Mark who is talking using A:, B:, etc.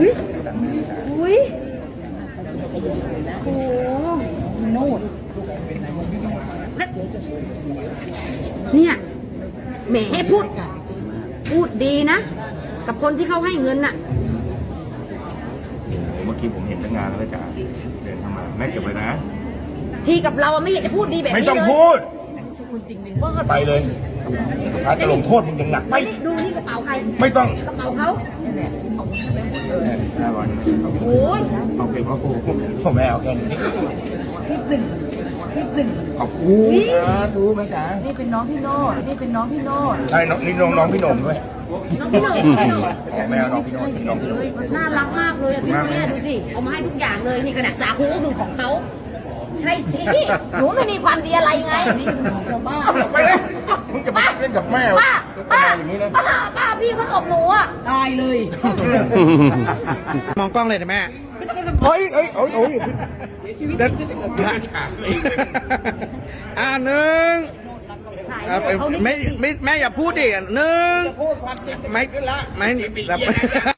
A: อุ้ยอุ้ยโอ้โน่นเนี่ยแหมให้พูดดีนะ กับคนที่เขาให้เงินน่ะ
B: เมื่อกี้ผมเห็นตั้งงานแล้วจ้ะเดินทำมาแม่เก็บไว้นะ
A: ทีกับเราไม่อยากจะพูดดีแบบนี้เลย
B: ไม่ต้องพูดไปเลยถ้าจะลงโทษมึงยังหนักไป
A: ดูนี่กระเป๋าใคร
B: ไม่ต้อง
A: กระเป๋าเขา
B: 500
A: โอ้ย
B: เอาเก็บพ่อครูพ่อแม่เอาแค่นี้
A: คลิปหนึ่ง
B: ขอบคุณทูแม่จ๋า
C: นี่เป็นน้องพี่โนดนี่เป็นน้องพี่โนด
B: ใช่นี่น้องพี่หนุ่มด้วย
A: น้องพี่หนุ่ม
B: แม่เอาน้องพี่หนุ่มเป็นน้องพี่หนุ่ม
A: น่ารักมากเลยอะพี่เนี่ยดูสิเอามาให้ทุกอย่างเลยนี่ขนาดสาคูหนึ่งของเขาใช่สิหนูไม่มีความดีอะไรไงนี่เป็นของชาวบ้าน
B: ไปเลยมึงจะมาเล่นกับแม่
A: ป้า
B: อย่างนี้นะ
A: ป้าพี่เขาตบหนูอ่ะ
C: ตายเลย
D: มองกล้องเลยนะแม่
B: เฮ้ย
D: เด็ดหนึ่ง
A: ถ่าย
D: ไม่แม่อย่าพูดดิหนึ่ง
B: พูดความจริง
D: ไม่
B: ขึ้นละ
D: ไม่แบบ